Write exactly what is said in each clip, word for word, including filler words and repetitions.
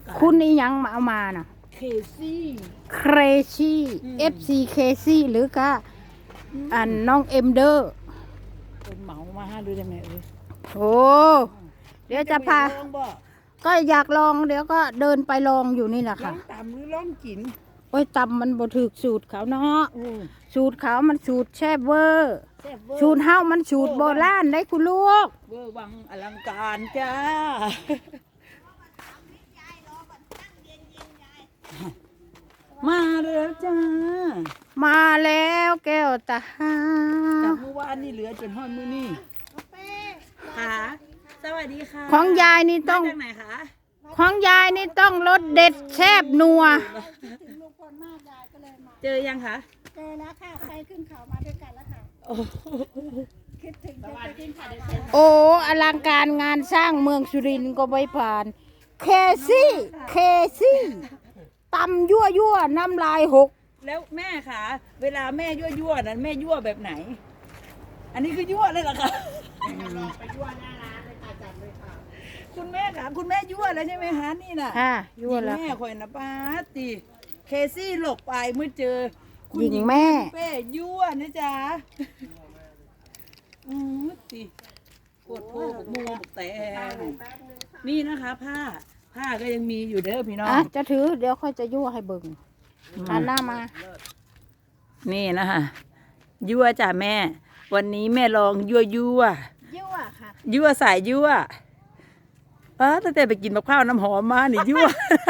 คุณนี่ยังมาเอามาน่ะเคซี่เครชี่ เอฟ ซี เคซี่หรือก็อันน้องเอ็มเดอร์เป็นเหมามาห้าดูได้ไหมเอ้ยโอ้เดี๋ยวจะพาลองบ่ก็อยากลองเดี๋ยวก็เดินไปลองอยู่นี่แหละลอค่ะงตำหรือลองกินโอ้ยตำมันบ่ถูกสูตรเขาเนาะโอ้สูตรเขามันสูตรแช่บเวอร์แซ่บเวอร์สูตรเฮามันสูตรโบราณได้คุณลูกเวอร์วังอลังการจ้ามาแล้วจ้ามาแล้วแก้วตาจากเมื่อวานนี่เหลือจนฮอดมื้อนี้ค่ะสวัสดีค่ะของยายนี่ต้องมาจากไหนคะของยายนี่ต้องรสเด็ดแซ่บนัวลุงพลมากยายก็เลยมาเจอยังคะเจอแล้วค่ะไปขึ้นเขามาด้วยกันแล้วค่ะโอ้คิดถึงจะไปขึ้นเขาด้วยกันโอ้อลังการงานสร้างเมืองสุรินทร์ก็ไม่ผ่าน เคซี่ เคซี่ตำยั่วยั่วน้ำลายหกแล้วแม่คะเวลาแม่ยั่วยั่วๆนั้นแม่ยั่วแบบไหน อันนี้คือยั่วเลยเหรอคะไปยั่วหน้าร้านเลยค่ะจัดเลยค่ะคุณแม่คะคุณแม่ยั่วแล้วใช่ไหมคะนี่น่ะค่ะยั่วแล้วแม่คอยนะป้าตีเคซี่หลบไปเมื่อเจอคุณหญิงแม่เป้ยั่วนะจ๊ะอืมตีโคตรโพกมัวบกแตงนี่นะคะ ผ้าผ้าก็ยังมีอยู่เด้อพี่น้องอ่ะจะถือเดี๋ยวค่อยจะยั่วให้เบิ่งหันหน้ามานี่นะคะยั่วจ้ะแม่ วันนี้แม่ลองยั่วยั่วยั่วค่ะยั่วสายยั่วป้าตั้งแต่ไปกินมะพร้าวน้ำหอมมานี่ยั่ว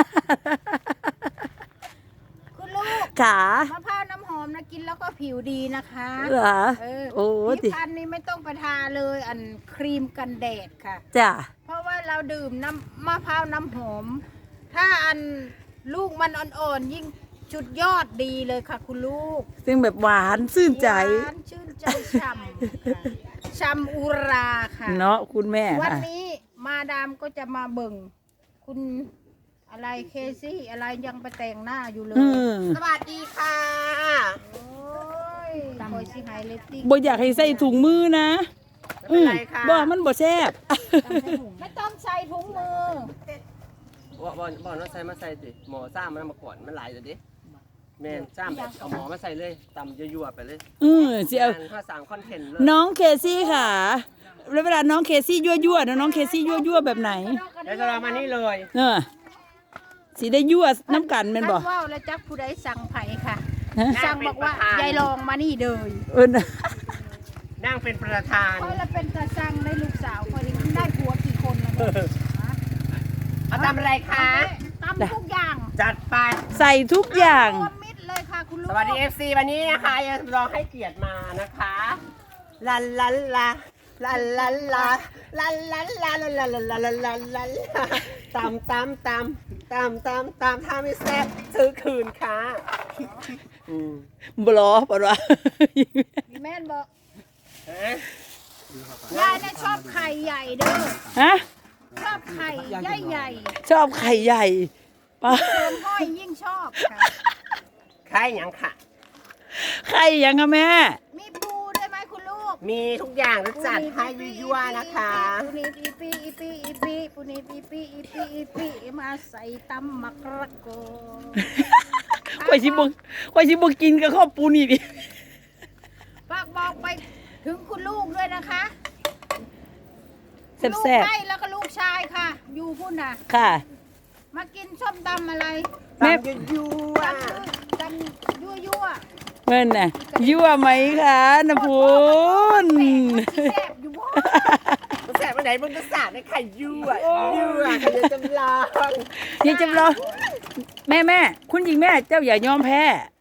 คุณลูกขามะพร้าวน้ำหอมนะกินแล้วก็ผิวดีนะคะเหรอเออโอ้ติที่พันนี้ไม่ต้องไปทาเลยอันครีมกันแดดค่ะจ้ะเพราะว่าเราดื่มน้ำมะพร้าวน้ำหอม ถ้าอันลูกมันอ่อนๆยิ่งจุดยอดดีเลยค่ะ คุณลูกซึ่งแบบหวานซื่นใจหวานชื่นใจช่ำค่ะช่ำอุราค่ะเนาะคุณแม่วันค่ะนี้มาดามก็จะมาเบิ่ง คุณอะไรเคซี่อะไรยังไปแต่งหน้าอยู่เลยอืมสวัสดีค่ะโอ้ยคอยสิไฮเลตติ้งบ่อยากให้ใส่ถุงมือนะอืมบ่มันบ่แซ่บไม่ต้องใส่ถุงมือว่าบอลบอลว่าใส่มาใส่สิหมอซ่ามันมาก่อนมันหลายเดี๋ยวดิแม่นซ่ามแบบเอาหมอมาใส่เลยตำยั่วๆไปเลยอือสิเอางานข้าสั่งคอนเทนต์เลยน้องเคซี่ค่ะแล้วเวลาน้องเคซี่ยั่วยั่วๆนะน้องเคซี่ยั่วยั่วๆแบบไหนแล้วจะเรามานี่เลยเออสิได้ยั่วน้ำกันแม่นบ่ท่านว่าวแล้วจักผู้ใดสั่งไผ่ค่ะฮะสั่งบอกว่ายายลองมานี่เลยเออนะนั่งเป็นประธานคอยละเป็นตาสั่งได้ลูกสาวคอยได้ผัวกี่คนแล้วเนี่ยเอาทำอะไรคะตำทุกอย่างจัดไปใส่ทุกอย่างรวมมิดเลยค่ะคุณลูกสวัสดี เอฟ ซี วันนี้นะคะยังรองให้เกียรติมานะคะลันลันลาลันลันลาลันลันลาลันลันลาลันลันลาลันลาตำตำตำตำตำตำถ้าไม่แซ่บซื้อคืนค่ะอืมบลอปะวะพี่แม่นบอกฮะยายน่ะชอบไข่ใหญ่เด้อฮะชอบไข่ใหญ่ใหญ่ชอบไข่ใหญ่ปะๆเติมห้อยยิ่งชอบค่ะใครหยังค่ะไข่ยังอะแม่มีปูด้วยไหมคุณลูกมีทุกอย่างจะจัดให้ยั่วๆนะคะปูนีอีปีอีปีอีปีปูนีอีปีอีปีอีปีมาใส่ตำมักระโกข่อยชิบกข่อยชิบกินกับข้าวปูนี่ดิฝากบอกไปถึงคุณลูกด้วยนะคะแซ่บลูกแซ่บให้แล้วก็ลูกชายค่ะ อยู่พุ่นน่ะค่ะมากินส้มตำอะไรแม่ตำยั่วตำยั่วยั่วเมื่อนน่ะยั่วไหมคะน้ำพูนแซ่บอยู่บ่ๆมันแสบไปไหนมันก็สาดในไข่ยั่วยั่วไข่เยอะจำลองยังจำลองแม่แม่คุณหญิงแม่เจ้าอย่ายอมแพ้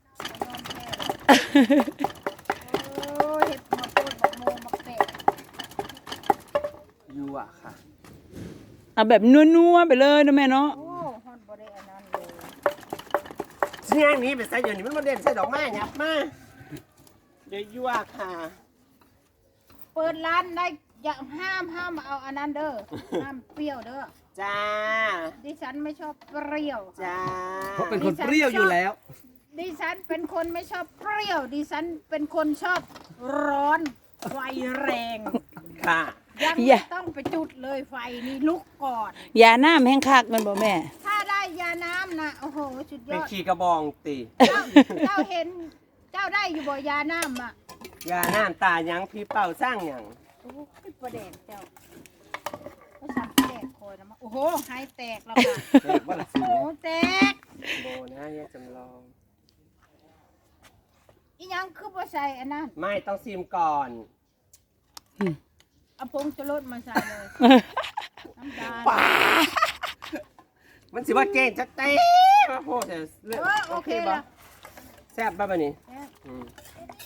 โอ้ยเห็ดมาโคตรบักโมบักเป็ดยั่วค่ะเอาแบบนัวๆไปเลยนะแม่เนาะโอ้ฮอนบ่ได้อันนั้นเลยเชี่ยงนี้เป็นไส้เดี๋ยวนี้มันมาเด่นใส่ดอกไม้เนี่ยมาเดี๋ยวยั่วค่ะเปิดร้านได้อย่าห้ามห้ามเอาอันนั้นเด้อห้ามเปรี้ยวเด้อจ้าดิฉันไม่ชอบเปรี้ยวจ้าเพราะเป็นคนเปรี้ยวอยู่แล้วดิฉันเป็นคนไม่ชอบเปรี้ยว ดิฉันเป็นคนชอบร้อนไฟแรงค่ะยังไม่ต้องไปจุดเลยไฟนี่ลุกก่อนอย่าหน้าแห้งคักแมันบ่แม่ถ้าได้ยาน้ำนะโอ้โหสุดยเป็นอดขี่กระบองตีเจ้าเจ้าเห็นเจ้าได้อยู่บ่ยาน้ำอ่ะยาน้ำตายังพี่เป่าสร้างอย่างโอ้ยประเด็นเจ้าเขาสั่งแตกคอยนะมาโอ้โหหายแตกแล้วค่ะเด็กว่าละสิโอ้โหแตกโบนะยายจำลองอีหยังคือบ่ใส่อันนั้นไม่ต้องซิมก่อนเอาผงชูรสมาใส่เลยน้ำตาลมันสิว่าเก่งจะเต้มาโพดแต่เรื่องเออโอเคบ่ละแซ่บป่ะบัดนี้แซ่บอืม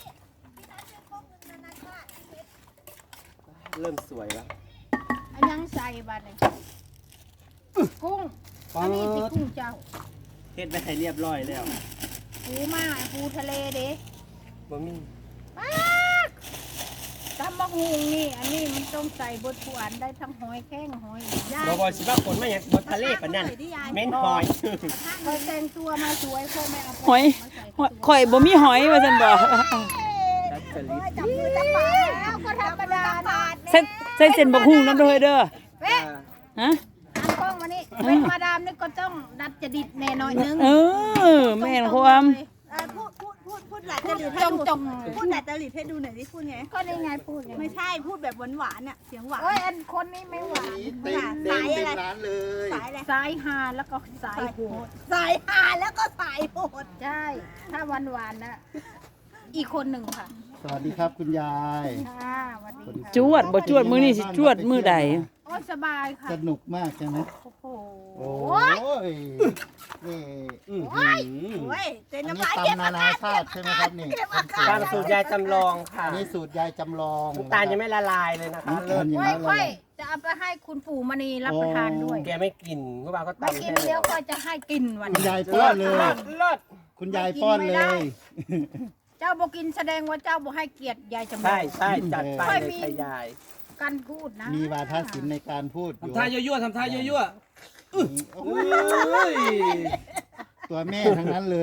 เริ่มสวยแล้วอันยังใส่บัดนี้กุ้งอันนี้สิกุ้งเจ้าเฮ็ดไปให้เรียบร้อยแล้วปูมาปูทะเลเด้บ่มีมากตำมะฮุงนี่ อันนี้มันต้องใส่บดผู้อันได้ทั้งหอยแข้งหอยย่าบ่บ่สิว่าคนมาหยังบ่ทะเลปานนั้นเม้นหอยเคยแต่งตัวมาสวยพ่อแม่เอาไปหอยมาใส่หอยข่อยบ่มีหอยว่าซั่นบ่ดัดจริตจับมือจับปากแล้วก็ธรรมดานะใส่ใส่เส้นบักหุ่งนำเด้อเด้อเป๊ะฮะตามกล้องมานี่เป็นมาดามนี่ก็ต้องดัดจดิตแน่หน่อยนึงเออแม่นความเอ่อพูดพูดพูดพูดหลายจพูดริตจให้งดูจงพูดหลายจริตให้ดูหน่อยดิพูดไงก็นี่ไงพูดไงไม่ใช่พูดแบบหวานๆเนี่ยเสียงหวานโอ้ยอันคนนี้ไม่หวานเต็มเต็มเต็มร้านเลยสายอะไรสายฮาแล้วก็สายโหดสายหาแล้วก็สายโหดใช่ ถ้าหวานหวานๆนะอีกคนหนึ่งค่ะสวัสดีครับคุณยายค่ะสวัสดีค่ะจวดบ่จวดมื้อนี้สิจวดมื้อใดโอ้ยสบายค่ะสนุกมากใช่ไหมโอ้โหโอ้ยนี่อื้อหือโอ้ยเต็มอันน้ำนี้ลายเก็บตำนานาชาติใช่ไหมครับนี่ตามสูตรยายจำลองค่ะอันนี้สูตรยายจำลองน้ำตาลยังไม่ละลายเลยนะคะน้ำตาลยังค่อไม่ยละค่อลาย ยจะเอาไปให้คุณปู่มณีรับประทานด้วยแกไม่กินเมื่อวานก็ไม่ตำกินให้เดี๋ยวค่อยจะให้กินวันคุณนี้ยายป้อนเลยเลิศคุณยายป้อนเลยเจ้าบอกินแสดงว่าเจ้าบอกให้เกียรติยายจำลองใช่ใช่จัดไปเลยค่ะยายกันพูดนะมีวาทศิลป์ในการพูดอยู่ทำท่ายั่วๆทำท่ายั่วโอ้ๆโหเอ้ยตัวแม่ทั้งนั้นเลย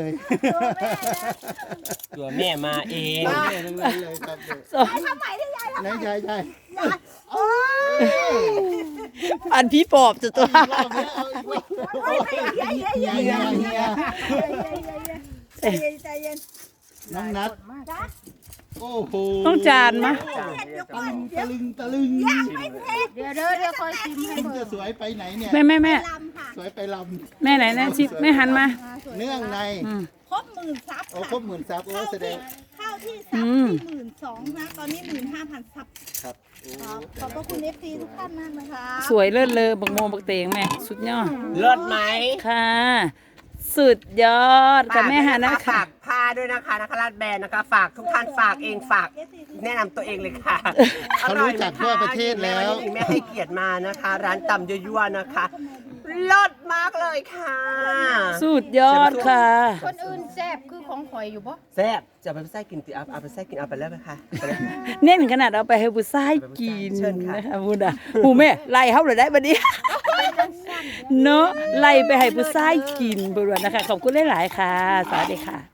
ตัวแม่มาเองตัวแม่ทั้งนั้นเลยครับไหนยายยายอันพี่ปอบจะตัวรอบแล้วเอาอีกรอบเฮียเฮียเฮียใจเย็นใจเย็นน้องนัดโอ้โหต้องจานมะตะลึงตะลึงตะลึงเดี๋ยวเดี๋ยวเดี๋ยวคอยชิมให้คุณเบิ่จะงสวยไปไหนเนี่ยแม่แม่แม่ลำค่ะสวยไปลแม่ไหนนะชิแม่หันมาำเนื่องในอืมครบหมื่นซับโอ้ค่ะครบหมื่นซับโอ้แสดงเข้าที่ซับอืมที่หมื่นสองนะตอนนี้หมื่นห้าพันซับครับครับขอบพระคุณเอฟซีทุกท่านมากนะคะสวยเลิศเลยบักโมบักเตงแม่สุดยอดเลิศไหมค่ะ สุดยอดกับแม่หันนะฝาคะกผ้าด้วยนะคะนะคะรัดแบรนด์นะคะ ฝากทุกท่านฝากเองฝากแนะนำตัวเองเลยค่ะเขารู้จักทั่วประเทศแล้วอร่อยไหมคะแม่ให้เกียรติมานะคะ ร้านตำยั่วๆนะคะเลิศมากเลยค่ะสุดยอดค่ะคนอื่นแซ่บคือของข่อยอยู่ปะแซ่บจะเอาไปใส่กินติเอาเอาไปใส่กินเอาไปแล้วไหมคะไปแล้วเน้นขนาดเอาไปให้ผู้ชายกินเชิญค่ะนะคะพูดอ่ะผู้แม่ไล่เฮาเลยได้บัดนี้ เนาะไล่ไปให้ผู้ชายกินบ่ว่านะคะขอบคุณหลายๆค่ะ สวัสดีค่ะ